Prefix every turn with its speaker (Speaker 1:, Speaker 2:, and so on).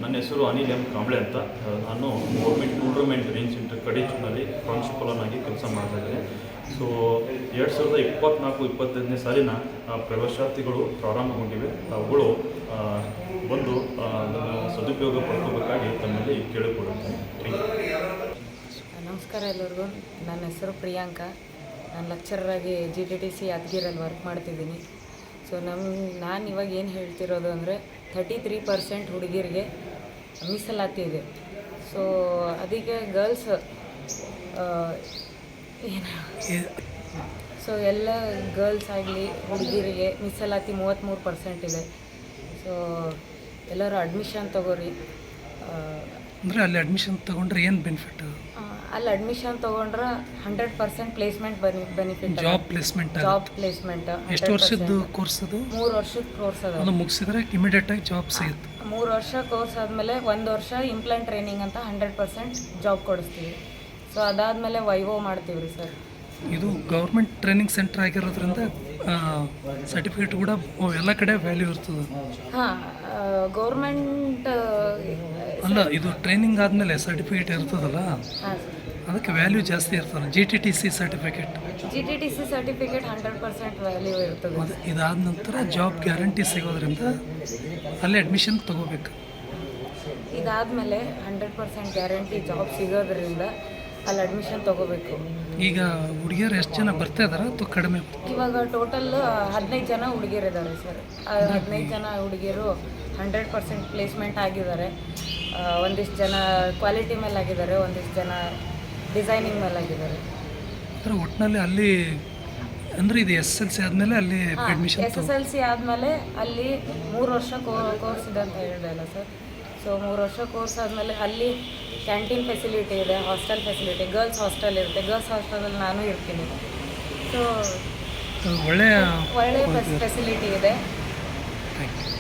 Speaker 1: ನನ್ನ ಹೆಸರು ಅನಿಲ್ ಎಂ ಕಾಂಬ್ಳೆ ಅಂತ. ನಾನು ಗೌರ್ಮೆಂಟ್ ಟೂರ್ನಮೆಂಟ್ ರೇಂಜ್ ಸೆಂಟರ್ ಕಡೇಚೂರಿನಲ್ಲಿ ಪ್ರಾಂಶುಪಾಲನಾಗಿ ಕೆಲಸ ಮಾಡ್ತಾ ಇದ್ದೇನೆ. ಸೊ 2024-25ನೇ ಸಾಲಿನ ಪ್ರವೇಶಾರ್ಥಿಗಳು ಪ್ರಾರಂಭಗೊಂಡಿವೆ. ಅವುಗಳು ಬಂದು ಸದುಪಯೋಗ ಪಡ್ಕೋಬೇಕಾಗಿ ತಮ್ಮಲ್ಲಿ ಕೇಳಿಕೊಳ್ಳುತ್ತೇನೆ.
Speaker 2: ನಮಸ್ಕಾರ ಎಲ್ಲರಿಗೂ. ನನ್ನ ಹೆಸರು ಪ್ರಿಯಾಂಕಾ. ನಾನು ಲೆಕ್ಚರರಾಗಿ GTTC ಯಾದಗಿರಲ್ಲಿ ವರ್ಕ್ ಮಾಡ್ತಿದ್ದೀನಿ. ಸೊ ನಾನು ಇವಾಗ ಏನು ಹೇಳ್ತಿರೋದು ಅಂದರೆ 33% ಹುಡುಗಿರಿಗೆ ಮೀಸಲಾತಿ ಇದೆ. ಸೊ ಅದಕ್ಕೆ ಗರ್ಲ್ಸ್ ಸೊ ಎಲ್ಲ ಗರ್ಲ್ಸ್ ಆಗಲಿ ಹುಡುಗಿರಿಗೆ ಮೀಸಲಾತಿ 33% ಇದೆ. ಸೊ ಎಲ್ಲರೂ ಅಡ್ಮಿಷನ್ ತೊಗೋರಿ.
Speaker 3: ಅಂದರೆ ಅಲ್ಲಿ ಅಡ್ಮಿಷನ್ ತೊಗೊಂಡ್ರೆ ಏನು ಬೆನಿಫಿಟ್?
Speaker 2: ಅಲ್ಲಿ ಅಡ್ಮಿಷನ್ ತೊಗೊಂಡ್ರೆ 100% ಪ್ಲೇಸ್ಮೆಂಟ್ ಬೆನಿಫಿಟ್.
Speaker 3: Job
Speaker 2: placement.
Speaker 3: ಎಷ್ಟು ವರ್ಷದ ಕೋರ್ಸ್ ಅದು?
Speaker 2: 3 ವರ್ಷದ ಕೋರ್ಸ್ ಅದು.
Speaker 3: ಅದು ಮುಗಿಸಿದ್ರೆ ಇಮಿಡಿಯೇಟಾಗಿ ಜಾಬ್ ಸಿಗುತ್ತೆ.
Speaker 2: 3 ವರ್ಷ ಕೋರ್ಸ್ ಆದಮೇಲೆ 1 ವರ್ಷ ಇಂಪ್ಲಾಂಟ್ ಟ್ರೈನಿಂಗ್ ಅಂತ 100% ಜಾಬ್ ಕೊಡಿಸ್ತೀವಿ. ಸೊ ಅದಾದಮೇಲೆ ವೈವೋ ಮಾಡ್ತೀವಿ ರೀ ಸರ್.
Speaker 3: ಇದು ಗೌರ್ಮೆಂಟ್ ಟ್ರೈನಿಂಗ್ ಸೆಂಟರ್ ಆಗಿರೋದ್ರಿಂದ ಸರ್ಟಿಫಿಕೇಟ್ ಕೂಡ ಎಲ್ಲ ಕಡೆ ವ್ಯಾಲ್ಯೂ ಇರ್ತದೆ.
Speaker 2: ಹಾಂ, ಗೌರ್ಮೆಂಟ್
Speaker 3: ಅಲ್ಲ, ಇದು ಟ್ರೈನಿಂಗ್ ಆದಮೇಲೆ ಸರ್ಟಿಫಿಕೇಟ್ ಇರ್ತದಲ್ಲ,
Speaker 2: ಹಾಂ
Speaker 3: ಅದಕ್ಕೆ ವ್ಯಾಲ್ಯೂ ಜಾಸ್ತಿ ಇರ್ತದೆ. GTTC ಸರ್ಟಿಫಿಕೇಟ್
Speaker 2: 100% ವ್ಯಾಲ್ಯೂ ಇರ್ತದೆ.
Speaker 3: ಇದಾದ ನಂತರ ಜಾಬ್ ಗ್ಯಾರಂಟಿ ಸಿಗೋದ್ರಿಂದ ಅಲ್ಲಿ ಅಡ್ಮಿಷನ್ ತೊಗೋಬೇಕು.
Speaker 2: ಇದಾದಮೇಲೆ 100% ಗ್ಯಾರಂಟಿ ಜಾಬ್ ಸಿಗೋದ್ರಿಂದ ಅಲ್ಲಿ ಅಡ್ಮಿಷನ್ ತೊಗೋಬೇಕು.
Speaker 3: ಈಗ ಹುಡುಗಿಯರು ಎಷ್ಟು ಜನ ಬರ್ತಾ ಇದಾರೆ ಅಥವಾ ಕಡಿಮೆ?
Speaker 2: ಇವಾಗ ಟೋಟಲ್ 15 ಜನ ಹುಡುಗಿಯರಿದ್ದಾರೆ ಸರ್. 15 ಜನ ಹುಡುಗಿಯರು 100% ಪ್ಲೇಸ್ಮೆಂಟ್ ಆಗಿದ್ದಾರೆ. ಒಂದಿಷ್ಟು ಜನ ಕ್ವಾಲಿಟಿ ಮೇಲೆ ಆಗಿದ್ದಾರೆ, ಒಂದಿಷ್ಟು ಜನ ಡಿಸೈನಿಂಗ್ ಮೇಲೆ ಆಗಿದ್ದಾರೆ.
Speaker 3: ಅಂದರೆ ಒಟ್ಟಿನಲ್ಲಿ ಅಲ್ಲಿ ಅಂದರೆ ಇದು SSLC ಆದಮೇಲೆ ಅಲ್ಲಿ ಅಡ್ಮಿಷನ್.
Speaker 2: SSLC ಆದಮೇಲೆ ಅಲ್ಲಿ 3 ವರ್ಷ ಕೋರ್ಸ್ ಇದೆ ಅಂತ ಹೇಳಿದೆ ಅಲ್ಲ ಸರ್. ಸೊ 3 ವರ್ಷ ಕೋರ್ಸ್ ಆದಮೇಲೆ ಅಲ್ಲಿ ಕ್ಯಾಂಟೀನ್ ಫೆಸಿಲಿಟಿ ಇದೆ, ಹಾಸ್ಟೆಲ್ ಫೆಸಿಲಿಟಿ, ಗರ್ಲ್ಸ್ ಹಾಸ್ಟೆಲ್ ಇರುತ್ತೆ. ಗರ್ಲ್ಸ್ ಹಾಸ್ಟೆಲಲ್ಲಿ ನಾನು ಇರ್ತೀನಿ. ಸೊ
Speaker 3: ಒಳ್ಳೆಯ
Speaker 2: ಒಳ್ಳೆಯ ಫೆಸಿಲಿಟಿ ಇದೆ.
Speaker 3: Thank you.